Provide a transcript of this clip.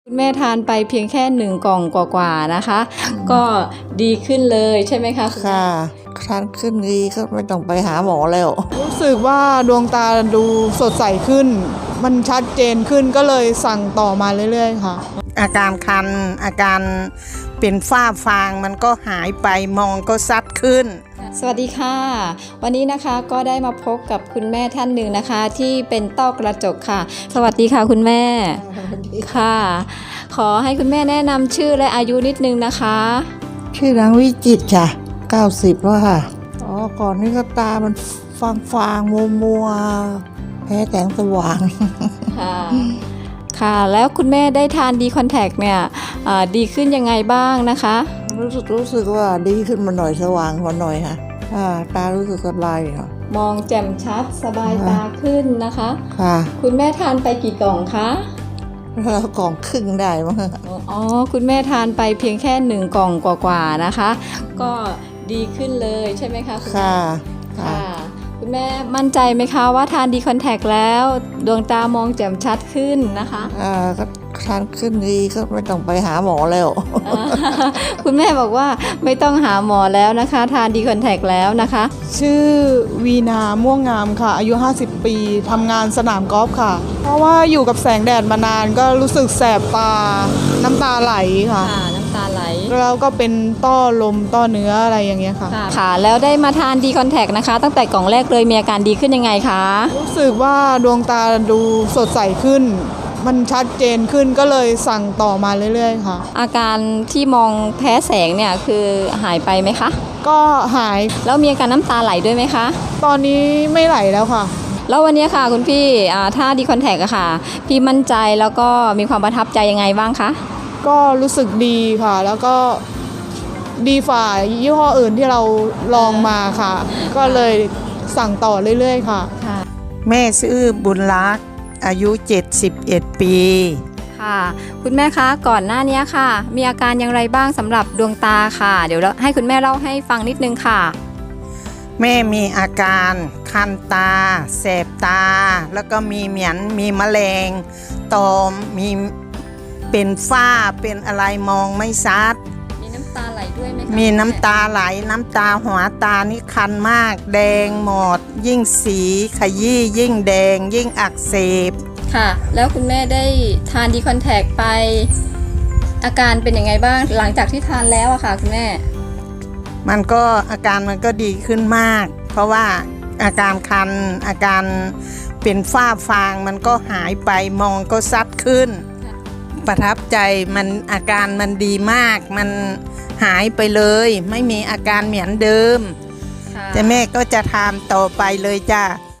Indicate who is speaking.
Speaker 1: คุณแม่ทานไปเพียงแค่1 กล่องกว่าๆนะคะ ก็ดีขึ้นเลยใช่ไหมคะคุณแม่
Speaker 2: ค่ะครั้นขึ้นดีก็ไม่ต้องไปหาหมอแล้ว
Speaker 3: รู้สึกว่าดวงตาดูสดใสขึ้น มันชัดเจนขึ้นก็เลยสั่งต่อมาเรื่อยๆค่ะ
Speaker 2: อาการคันอาการเป็นฝ้าฟางมันก็หายไปมองก็ซัดขึ้น
Speaker 1: สวัสดีค่ะ วันนี้นะคะก็ได้มาพบกับคุณแม่ท่านหนึ่งนะคะ ที่เป็นต้อกระจกค่ะ สวัสดีค่ะคุณแม่ค่ะ ขอให้คุณแม่แนะนำชื่อและอายุนิดนึงนะคะ
Speaker 2: ชื่อนางวิจิตรค่ะ90แล้วค่ะอ๋อก่อนนี้ก็ตามันฟางมัวแพ้แสงสว่าง
Speaker 1: ค่ะค่ะ แล้วคุณแม่ได้ทานดีคอนแทคเนี่ยดีขึ้นยังไงบ้างนะคะ
Speaker 2: รู้สึกว่าดีขึ้นมาหน่อยสว่างกว่าหน่อยค่ะตารู้สึกสบายค่ะ
Speaker 1: มองแจ่มชัดสบายตาขึ้นนะคะ
Speaker 2: ค่ะ
Speaker 1: คุณแม่ทานไปกี่กล่องคะ
Speaker 2: แล้วกล่องครึ่งได้มั้ง
Speaker 1: อ๋อ คุณแม่ทานไปเพียงแค่1 กล่องกว่าๆนะคะ ก็ดีขึ้นเลยใช่ไหมคะคุณแม่
Speaker 2: ค่ะ
Speaker 1: ค่ะ คุณแม่มั่นใจไหมคะว่าทานดีคอนแทคแล้วดวงตามองแจ่มชัดขึ้นนะคะ
Speaker 2: ก็ครั้นขึ้นดีก็ไม่ต้องไปหาหมอแล้ว
Speaker 1: คุณแม่บอกว่าไม่ต้องหาหมอแล้วนะคะ ทานดีคอนแทคแล้วนะคะ
Speaker 3: ชื่อวีนาม่วงงามค่ะ อายุ 50 ปีทำงานสนามกอล์ฟค่ะ เพราะว่าอยู่กับแสงแดดมานานก็รู้สึกแสบตาน้ำตาไหลค่ะ
Speaker 1: ค่ะ น้ำตาไหล
Speaker 3: แล้วก็เป็นต้อลมต้อเนื้ออะไรอย่างเงี้ยค่ะ
Speaker 1: ค่ะ แล้วได้มาทานดีคอนแทคนะคะ ตั้งแต่กล่องแรกเลยมีอาการดีขึ้นยังไงคะ
Speaker 3: รู้สึกว่าดวงตาดูสดใสขึ้น มันชัดเจนขึ้นก็เลยสั่งต่อมาเรื่อยๆค่ะ
Speaker 1: อาการที่มองแพ้แสงเนี่ยคือหายไปไหมคะ
Speaker 3: ก็หาย
Speaker 1: แล้วมีอาการน้ำตาไหลด้วยไหมคะ
Speaker 3: ตอนนี้ไม่ไหลแล้วค่ะ
Speaker 1: แล้ววันนี้ค่ะคุณพี่ถ้าดีคอนแทคอะค่ะ พี่มั่นใจแล้วก็มีความประทับใจยังไงบ้างคะ
Speaker 3: ก็รู้สึกดีค่ะ แล้วก็ดีฝ่ายี่ห้ออื่นที่เราลองมาค่ะ ก็เลยสั่งต่อเรื่อยๆค่ะ
Speaker 2: แม่ชื่อบุญรักษ์อายุ71 ปี
Speaker 1: ค่ะ คุณแม่คะก่อนหน้านี้ค่ะ มีอาการอย่างไรบ้างสำหรับดวงตาค่ะ เดี๋ยวให้คุณแม่เล่าให้ฟังนิดนึงค่ะ
Speaker 2: แม่มีอาการคันตาแสบตา แล้วก็มีเหมียนมีแมลงตอมมีเป็นฝ้าเป็นอะไรมองไม่ชัด
Speaker 1: มีน้ำตาไหลด้วยไหมคะ
Speaker 2: มีน้ำตาไหลน้ำตาหัวตานี่คันมากแดงหมด ยิ่งสีขยี้ยิ่งแดงยิ่งอักเสบ
Speaker 1: ค่ะ แล้วคุณแม่ได้ทานดีคอนแทคไป อาการเป็นยังไงบ้างหลังจากที่ทานแล้วอะค่ะคุณแม่
Speaker 2: มันก็อาการมันก็ดีขึ้นมาก เพราะว่าอาการคันอาการเป็นฝ้าฟางมันก็หายไปมองก็ซัดขึ้น ประทับใจมันอาการมันดีมากมันหายไปเลยไม่มีอาการเหมือนเดิม
Speaker 1: ค่ะ
Speaker 2: แต่แม่ก็จะทำต่อไปเลยจ้า